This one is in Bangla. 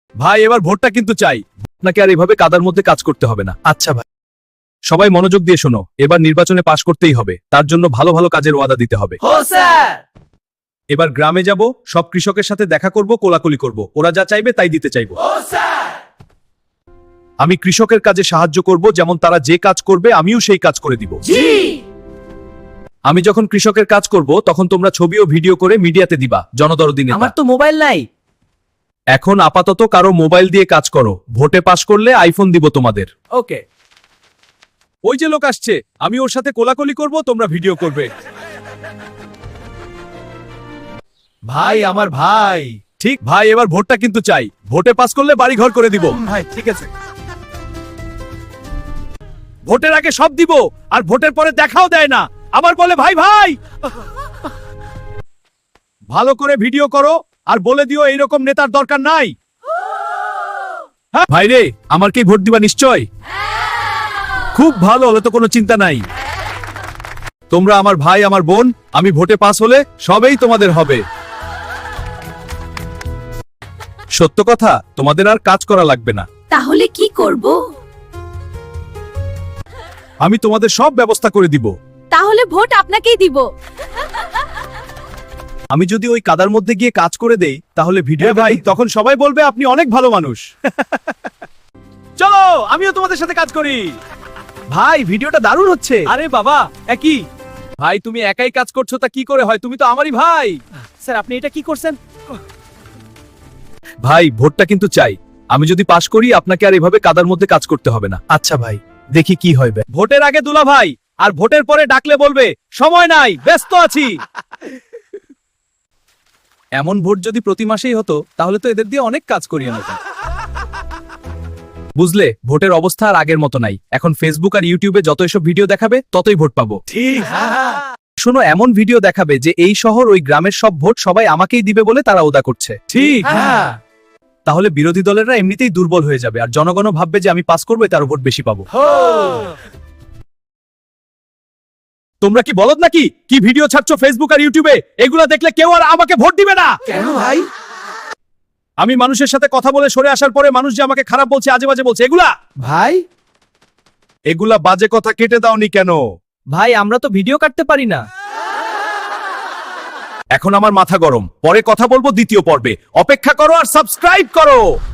ভাই এবার ভোটটা কিন্তু চাই, আপনাকে আর এভাবে কাদার মধ্যে কাজ করতে হবে না। আচ্ছা ভাই। সবাই মনোযোগ দিয়ে শোনো, এবার নির্বাচনে পাশ করতেই হবে, তার জন্য ভালো ভালো কাজের ওয়াদা দিতে হবে। এবার গ্রামে যাব, সব কৃষকের সাথে দেখা করব, কোলাকুলি করব, ওরা যা চাইবে তাই দিতে চাইব। আমি কৃষকের কাজে সাহায্য করব, যেমন তারা যে কাজ করবে আমিও সেই কাজ করে দিব। আমি যখন কৃষকের কাজ করব তখন তোমরা ছবি ও ভিডিও করে মিডিয়াতে দিবা, জনদরদি নেতা। আমার তো মোবাইল নাই। এখন আপাতত কারো মোবাইল দিয়ে কাজ করো, ভোটে পাশ করলে আইফোন দিব তোমাদের। ওকে। ওই যে লোক আসছে, আমি ওর সাথে কোলাকুলি করব, তোমরা ভিডিও করবে। ভাই আমার ভাই। ঠিক ভাই, এবার ভোটটা কিন্তু চাই, ভোটে পাস করলে বাড়ি ঘর করে দিব। ভাই ঠিক আছে। ভোটের আগে সব দিব, আর ভোটের পরে দেখাও দেয় না, আবার বলে ভাই ভাই। ভালো করে ভিডিও করো আর বলে দিও এইরকম নেতার দরকার নাই। হ্যাঁ ভাই রে, আমার কি ভোট দিবা নিশ্চয়? খুব ভালো, হলে তো কোনো চিন্তা নাই। তোমরা আমার ভাই আমার বোন, আমি ভোটে পাস হলে সবেই তোমাদের হবে। সত্য কথা, তোমাদের আর কাজ করা লাগবে না। তাহলে কি করব? আমি তোমাদের সব ব্যবস্থা করে দিব। তাহলে ভোট আপনাকেই দিব। আমি যদি ওই কাদার মধ্যে গিয়ে কাজ করে দেই তাহলে ভিডিও ভাই তখন সবাই বলবে আপনি অনেক ভালো মানুষ। চলো আমিও তোমাদের সাথে কাজ করি। ভাই ভিডিওটা দারুণ হচ্ছে। আরে বাবা একই ভাই, তুমি একাই কাজ করছো তা কি করে হয়, তুমি তো আমারই ভাই। স্যার আপনি এটা কি করছেন? ভাই ভোটটা কিন্তু চাই, আমি যদি পাশ করি আপনাকে আর এভাবে কাদার মধ্যে কাজ করতে হবে না। আচ্ছা ভাই, দেখি কি হয়। ভোটের আগে দুলা ভাই, আর ভোটের পরে ডাকলে বলবে সময় নাই, ব্যস্ত আছি। এমন ভোট যদি প্রতি মাসেই হতো তাহলে তো এদের দিয়ে অনেক কাজ করিয়ে নিতাম। বুঝলে, ভোটের অবস্থা আর আগের মতো নাই, এখন ফেসবুক আর ইউটিউবে যত এসব ভিডিও দেখাবে ততই ভোট পাবো। ঠিক। শোনো, এমন ভিডিও দেখাবে যে এই শহর ওই গ্রামের সব ভোট সবাই আমাকেই দিবে বলে তারা ওদা করছে। ঠিক। তাহলে বিরোধী দলেরা এমনিতেই দুর্বল হয়ে যাবে, আর জনগণও ভাববে যে আমি পাস করবো, তার ভোট বেশি পাবো। তোমরা কি বলদ নাকি? কি ভিডিও ছাড়ছো ফেসবুক আর ইউটিউবে? এগুলা দেখলে কেউ আর আমাকে ভোট দিবে না। কেন ভাই? আমি মানুষের সাথে কথা বলে সরে আসার পরে মানুষ যে আমাকে খারাপ বলছে, আজে বাজে বলছে, এগুলা বাজে কথা কেটে দাওনি কেন? ভাই আমরা তো ভিডিও কাটতে পারি না। এখন আমার মাথা গরম, পরে কথা বলবো দ্বিতীয় পর্বে। অপেক্ষা করো আর সাবস্ক্রাইব করো।